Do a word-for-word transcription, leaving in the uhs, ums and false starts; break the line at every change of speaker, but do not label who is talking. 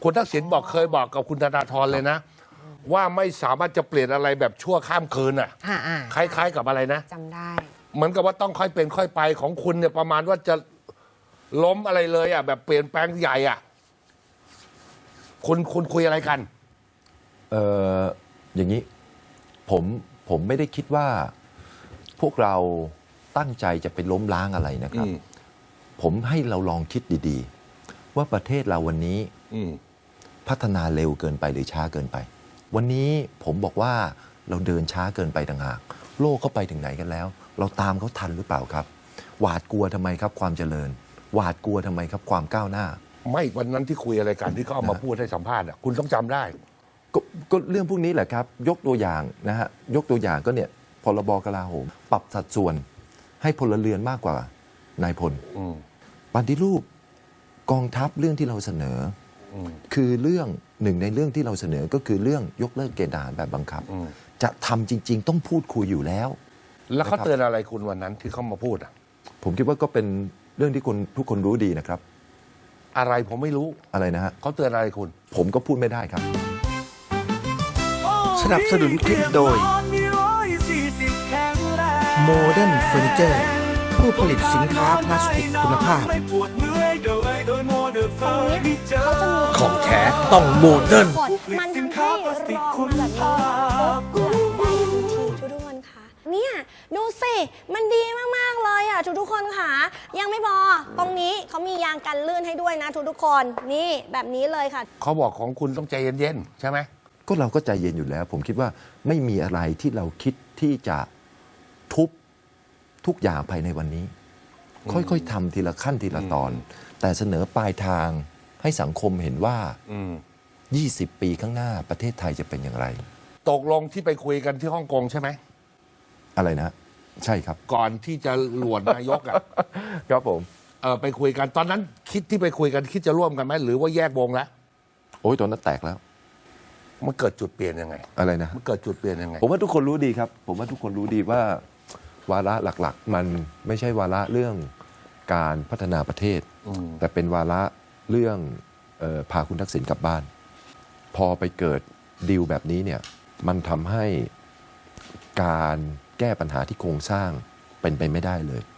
คุณทักษิณบอกเคยบอกกับคุณธนาธรเลยนะ ว่าไม่สามารถจะเปลี่ยนอะไรแบบชั่วข้ามคืนอ่ะ
อ่าอ่า
คล้ายๆกับอะไรนะ
จำได้
เหมือนกับว่าต้องค่อยเป็นค่อยไปของคุณเนี่ยประมาณว่าจะล้มอะไรเลยอ่ะแบบเปลี่ยนแปลงใหญ่อ่ะคุณคุณคุยอะไรกัน
เอออย่างนี้ผมผมไม่ได้คิดว่าพวกเราตั้งใจจะไปล้มล้างอะไรนะครับ
อืม
ผมให้เราลองคิดดีๆ ว่าประเทศเราวันนี้
อืม
พัฒนาเร็วเกินไปหรือช้าเกินไป วันนี้ผมบอกว่าเราเดินช้าเกินไปต่างหากโลกเขาไปถึงไหนกันแล้ว เราตามเขาทันหรือเปล่าครับ หวาดกลัวทำไมครับความเจริญ หวาดกลัวทำไมครับความก้าวหน้า
ไม่วันนั้นที่คุยอะไรกันที่เขาเอามาพูดให้สัมภาษณ์อ่ะคุณต้องจำได้
กก็เรื่องพวกนี้แหละครับ ยกตัวอย่างนะฮะยกตัวอย่างก็เนี่ยพรบกลาโหม ปรับสัดส่วนให้พลเรือนมากกว่านายพล
อืม
ปฏิรูปกองทัพเรื่องที่เราเสนอ
อืม
คือเรื่องหนึ่งในเรื่องที่เราเสนอก็คือเรื่องยกเลิกเกณฑ์ทหารแบบบังคับ
อืม
จะทำจริง ๆ ต้องพูดคุยอยู่แล้ว
แล้วเขา
นะครับ
เตือนอะไรคุณวันนั้นที่เขามาพูดอ่ะ
ผมคิดว่าก็เป็นเรื่องที่คนทุกคนรู้ดีนะครับ
อะไรผมไม่รู้
อะไรนะฮะ
เขาเตือนอะไรคุณ
ผมก็พูดไม่ได้ครับ
สนับสนุนคลิปโดย Modern Furniture ผู้ผลิตสินค้าพลาสติกคุณภาพ ของแท้ต้องโมเดิร์น
กดมันทำให้รองมาแบบนี้ปุ๊บหลับได้ทันทีทุกๆคนค่ะเนี่ยดูสิมันดีมากๆเลยอ่ะทุกๆคนค่ะยังไม่พอตรงนี้เขามียางกันลื่นให้ด้วยนะทุกๆคนนี่แบบนี้เลยค่ะ
เขาบอกของคุณต้องใจเย็นๆใช่ไหม
ก็เราก็ใจเย็นอยู่แล้ว ผมคิดว่าไม่มีอะไรที่เราคิดที่จะทุบทุกอย่างภายในวันนี้ ค่อยๆทำทีละขั้นทีละตอน แต่เสนอปลายทางให้สังคมเห็นว่า
อืม
ยี่สิบ ปีข้างหน้าประเทศไทยจะเป็นอย่างไร
ตกลงที่ไปคุยกันที่ฮ่องกงใช่ไหม
อะไรนะ ใช่ครับ
ก่อนที่จะหลวนนายกอ่ะ
ครับผม
เออไปคุยกันตอนนั้นคิดที่ไปคุยกันคิดจะร่วมกันไหมหรือว่าแยกวงแล้ว
โอ้ยตอนนั้นแตกแล้ว
มันเกิดจุดเปลี่ยนยังไง
อะไรนะ
มันเกิดจุดเปลี่ยนยังไง
ผมว่าทุกคนรู้ดีครับ ผมว่าทุกคนรู้ดีว่าวาระหลักๆ มันไม่ใช่วาระเรื่องการพัฒนาประเทศ
อืม
แต่เป็นวาระเรื่องเออพาคุณทักษิณกลับบ้าน พอไปเกิดดีลแบบนี้เนี่ยมันทำให้การแก้ปัญหาที่โครงสร้างเป็นไปไม่ได้เลย